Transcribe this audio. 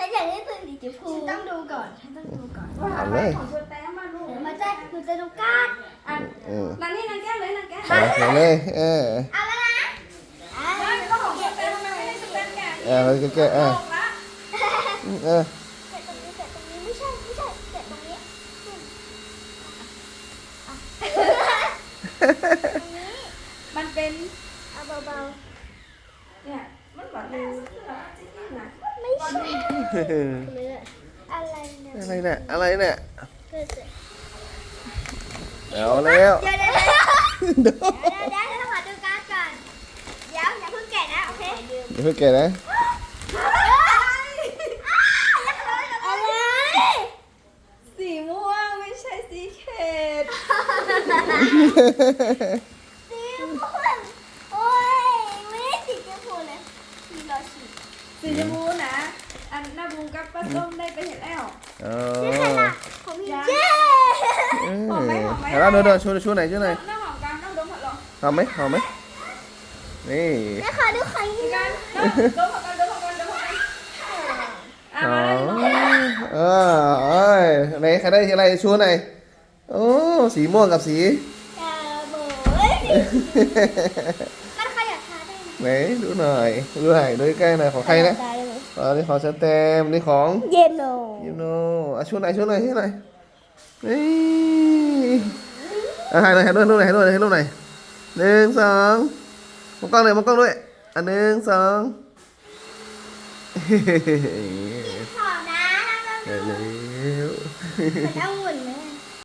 อยากได้ปืนสีชมพูต้องดูก่อนต้องดูก่อนเอาเลยของตัวแต้มมาลูกมันจะดูการ์ดอ่ะนั่นนี่นั่นแก้เลยนั่นแก้เอาเลยเอาแล้วนะไม่ก็ของตัวแต้มทำไมไม่ให้ตัวแต้มแกะเราแกะออกละแกะตรงนี้ไม่ใช่แกะตรงนี้มันเป็นเอาเบาเนี่ยมันแบบแม่ซื้อละจริงๆนะๆไม่ใช่อะไรเนี่ยอะไรเนี่ยอะไรเนี่ยเกิดเอาแล้วเดี๋ยวเดี๋ยวต้องมาดูการ์ดก่อนอย่าเพิ่งแกะนะโอเคเดี๋ยวแกะนะอะไรสีม่วงไม่ใช่สีเขตสีม่วงโอ้ยไม่ได้สีชมพูเลยสีรอสีสีชมพูนะอันหน้าบูกับป้าส้มได้ไปเห็นแล้วอ๋อนี่ขนาดของพี่เจ๊เดี๋ยวเราเดินชูไหนชูไหนน้ำหอมกันน้ำดมผัดลมหอมไหมนี่แม่ขอดูไข่มีนี่กันะนดมผัดกันอ่ะอ๋อมาเลยเอ้ยไหนใครได้อะไรชูไหนโอ้สีม่วงกับสีอย่าโบยมันขยับขาได้ไหมไหนดูหน่อยดูใกล้ๆหน่อยของใครนะนี่ของสแตมนี่ของเย็นโนยูโนชูไหนนี่ถ่ายหน่อยให้รูปหน่อย1 2มองกล้องด้วย1 2 ขอนะเร็วแล้วหุ่นไหม